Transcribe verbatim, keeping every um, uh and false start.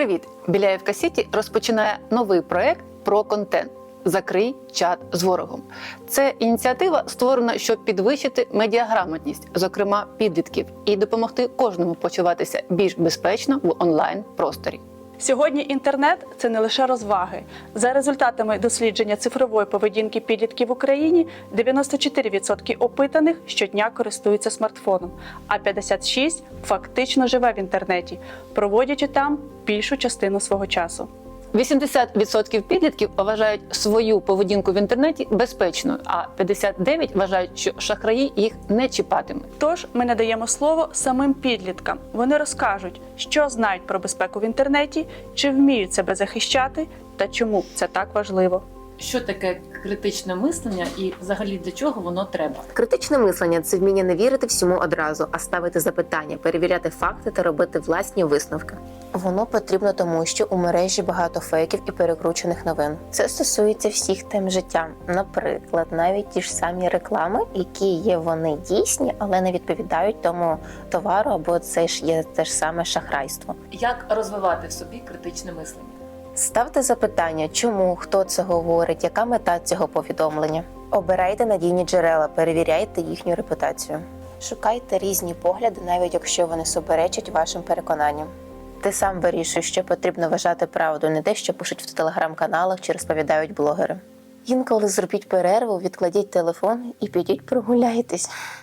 Привіт! Біляєвка Сіті розпочинає новий проект про контент «Закрий чат з ворогом». Це ініціатива створена, щоб підвищити медіаграмотність, зокрема підлітків, і допомогти кожному почуватися більш безпечно в онлайн-просторі. Сьогодні інтернет – це не лише розваги. За результатами дослідження цифрової поведінки підлітків в Україні, дев'яносто чотири відсотки опитаних щодня користуються смартфоном, а п'ятдесят шість відсотків фактично живе в інтернеті, проводячи там більшу частину свого часу. вісімдесят відсотків підлітків вважають свою поведінку в інтернеті безпечною, а п'ятдесят дев'ять відсотків вважають, що шахраї їх не чіпатимуть. Тож ми надаємо слово самим підліткам. Вони розкажуть, що знають про безпеку в інтернеті, чи вміють себе захищати та чому це так важливо. Що таке критичне мислення і взагалі для чого воно треба? Критичне мислення – це вміння не вірити всьому одразу, а ставити запитання, перевіряти факти та робити власні висновки. Воно потрібно тому, що у мережі багато фейків і перекручених новин. Це стосується всіх тем життя. Наприклад, навіть ті ж самі реклами, які є вони дійсні, але не відповідають тому товару, або це ж є те ж саме шахрайство. Як розвивати в собі критичне мислення? Ставте запитання, чому, хто це говорить, яка мета цього повідомлення. Обирайте надійні джерела, перевіряйте їхню репутацію. Шукайте різні погляди, навіть якщо вони суперечать вашим переконанням. Ти сам вирішуєш, що потрібно вважати правду, не те, що пишуть в телеграм-каналах чи розповідають блогери. Інколи зробіть перерву, відкладіть телефон і підіть прогуляйтесь.